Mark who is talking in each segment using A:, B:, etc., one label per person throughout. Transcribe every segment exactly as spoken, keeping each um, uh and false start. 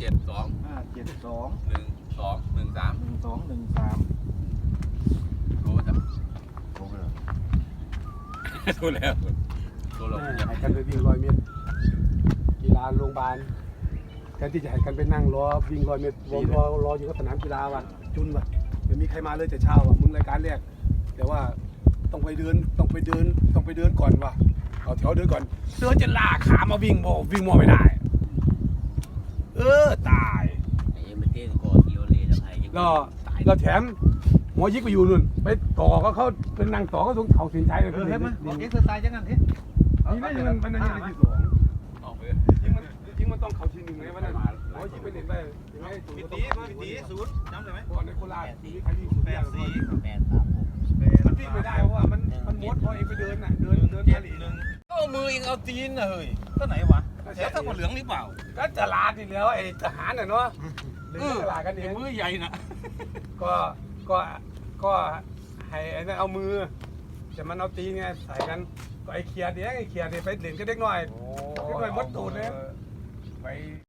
A: จ็ดสอง
B: ห้าเจ็ดสอง
A: หนึ่งสองหนึ่งสาม
B: หนึ่งสองหนึ่งสาม
A: โทรจ้ะ
B: โทรไปเลย
A: โทรแล้วโทรเรา
C: ให้กันไปวิ่งร้อยเมตรกีฬาโรงพยาบาลแทนที่จะให้กันไปนั่งรอวิ่งร้อยเมตรรอรอรออยู่กับสนามกีฬาว่ะจุนว่ะไม่มีใครมาเลยแต่เช้าว่ะมึงรายการแรกแต่ว่าต้องไปเดินต้องไปเดินต้องไปเดินก่อนว่ะเอาแถวเดินก่อนเดินจะลากขามาวิ่งโมวิ่งโมไม่ได้เออตายแล้วเราแถมหัวยิกไปอยู่นู่นไปต่อก็เขาเป็นนางต่อก็ตรงเขาสินชัยเลย
B: เออ
C: เห็
B: เฮ้ย
C: นไหม
B: มาบอกเอ็กซ์ไซส์จังงั้นที
C: นี่ไม่มันมันยังไม่ที่สอง
A: ออกไป
C: จริงมันจริงมันต้องเขาทีหนึ่งไงวันนั้นหัวยิกไปเด่นไปยังไง
B: พิตีมาพิตีศูนย์จำได้ไหม
C: ก่อนในโคราชมีใครวิ่ง
B: แปดสี่
D: แปดสามหก
C: มันวิ่งไม่ได้เพราะว่ามันมันมดพอเองไปเดินน่ะเดินเดิน
B: เจ็
C: ทะ
B: ด
C: เล
B: หนึ่งเอามือเองเอาตีนนะเฮ้ยก็ไหนวะเสียทั้งหมดเหลืองหรือเปล่า
C: ก็จะลาดอีกแล้วไอ้ทหารน่ะเนาะเดินตลาดกันเอง
B: มือใหญ่นะ
C: ก็ก็ก็ให้ไอ้นั่นเอามือแต่มันเอาตีนไงใส่กันก็ไอ้เขียดเนี้ยไอ้เขียดเนี่ยไปเหรียญก็เด็กน้อยเด็กน้อยมดตูดเลยไป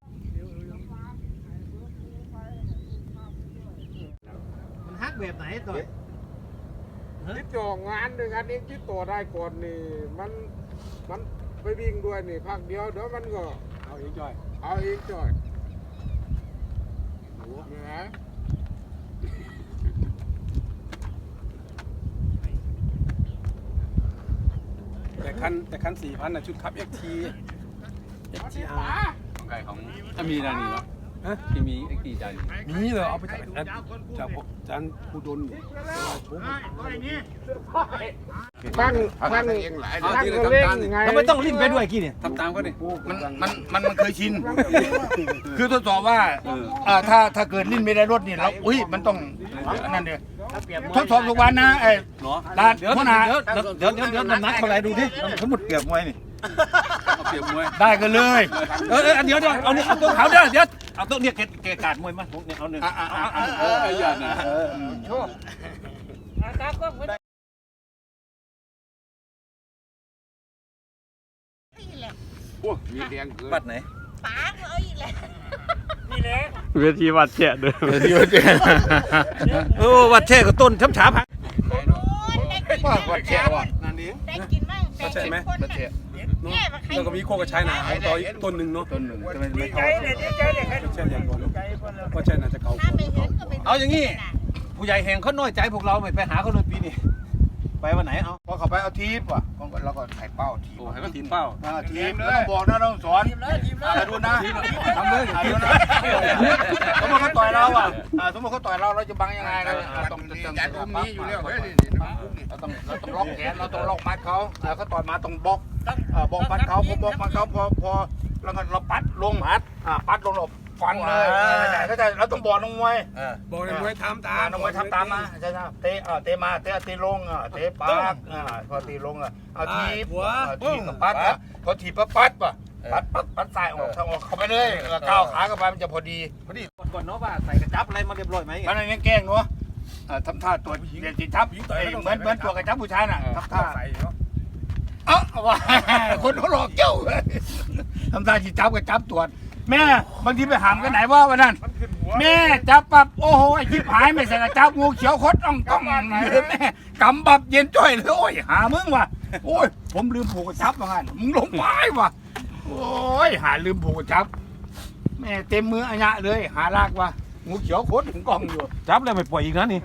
B: มันฮักแบบไหนต่อย
E: ที่จองงานด้วยกันเองที่ตัวได้ก่อนนี่มันมันไปวิ่งด้วยนี่พักเดียวเดี๋ยวมันก็
C: เอาเองจ่อย
E: เอาเองจ่อยนี่นะ
C: แต่คันแต่คันสี่พันน่ะชุดคับเอ็กทีเอ็กทีอาร์
A: ของใครของถ้ามีนานี่เนาะ
C: ฮะ
A: ที่มีเอ็กซ์ตีใจ
C: มีเลยเอาไปจากจากจานผู้ดน
E: ตั้งตั้งเองหลายตั้งก็เล่นไง
B: ทำไมต้องรีบไปด้วยกี่เนี่ย
A: ทำตามก็ดิ
F: มันมันมันมันเคยชิน คือทดสอบว่าอ่าถ้าถ้าเกิดลิ้นไม่ได้รถนี่เราอุ้ยมันต้องอันนั้นเดียวทดสอบทุกวันนะไอ้
A: เนาะ
F: ร้าน
B: เดี๋ยว
F: หัวหน้า
B: เดี๋ยวเดี๋ยวเดี๋ยวเดี๋ยวน้ำหนักเท่าไรดูดิสมมติเปรียบมวยนี่
A: เอาเปรียบมวย
F: ได้กันเลย
B: เออเออเดี๋ยวเดี๋ยวเอาเนี่ยเอาตัวเขาเดี๋ยวเดี๋ยวเอาตัวเนี่ยเกเกกาดมวยมาผมเนี่ยเอาหนึ่ง
F: อ่ะอ่ะอ่ะอ่ะ
A: เออไอ้ยันนะ
E: โอ้มีแรงเกิน
B: บัตรไหน
D: ป๋าเอ้ยแหละ
G: เวทีวัดแฉะเด้อ
F: เดี๋ยวเดี๋ยว
B: โอ้วัดแช่กับต้นช้ำฉาพัง
D: โอ้ยได้กิน
F: ว่า
D: มั่ง
F: วัดแฉะว่ะ
C: นั่นเอง
D: ได้กินมั่งแต่เห็นคนน่ะแย่มาใคร
C: แล้วก็มีโคกระชายหนาต่ออีกต้นหนึ่งเนาะ
F: ต้นหนึ่งจะไม่ไม่เท่า
C: เช่นอย่างก่อนว่าใช่น่าจะเก่า
D: ถ้าไม่เห็นก็เป็น
B: เอาอย่างงี้ผู้ใหญ่แห่งเขาน้อยใจพวกเราไม่ไปหาเขาเลยปีนี้ไปวันไหนเอา
F: พอเขาไปเอาทีปว่ะเราก็ถ่ายเป้าที
A: โอ้ให้ก็ทีมเป้า
F: อ่าทีมแล้วต้องบอกนะต้องสอนอ่าดูนะทำเลยดูนะสมมติเขาต่อยเราอ่ะอ่าสมมติเขาต่อยเราเราจะบังยังไงกันอ่าต้องต้อง
E: ยันอุ้มนี้อยู่แล้วเฮ้ย
F: เราต้องเราต้องล็อกแขนเราต้องล็อกมัดเขาอ่าเขาต่อยมาต้องบล็อกอ่าบล็อกมัดเขาพอบล็อกมัดเขาพอพอแล้วก็เราปัดลงมัดอ่าปัดลงหลบฟันเลยเข้าใจเราต้องบอกน้องมวย
C: บอกเลยมวยทำตา
F: อ่าม น้องมวยทำตามมาใช่ไหมเตะอ่าเตะมาเตะตีลงอ่าเตะปากอ่าพอตีลงอ่ะเอาทีบทีบกับปัดอ่ะพอทีบปั๊บปัดป่ะปัดปัดปัดสายออกทางออกเข้าไปเลยก้าวขาเข้าไปมันจะพอดีพอดี
B: ก่อนเนาะว่าใส่กระจับอะไรมาเรียบร้อยไหม
F: มันไม่แกล้งเนาะทำท่าตัวเด็กจีทับเหมือนเหมือนตัวกระจับผู้ชายน่ะทำท่า
C: ใส่เนาะ
F: เอ้าว่าคนเขาหลอกเจ้าทำท่าจีจับกระจับตรวจแม่บางทีไปหามกันไหนว่าวันนั้นแม่จับปับโอ้โหไอ้ชิบหายไม่ใส่กระจับงูเขียวคดอ่องก้องเลยแม่กำบับเย็นจ้อยเลยโอ้ยหามึงว่ะโอ้ยผมลืมผูกกระจับว่างั้นมึงลงไปว่ะโอ้ยหาลืมผูกกระจับแม่เต็มมืออัญญะเลยหาลากว่ะงูเขียวคดถึงกล้องอยู่
B: จับแล้วไม่ปล่อยอีกนะนี่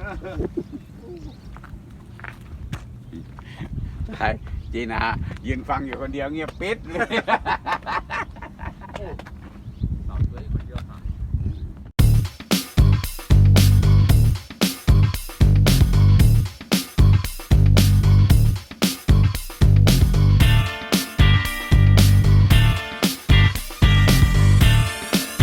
E: ใช่จีน่ายืนฟังอยู่คนเดียวเงียบปิดเลย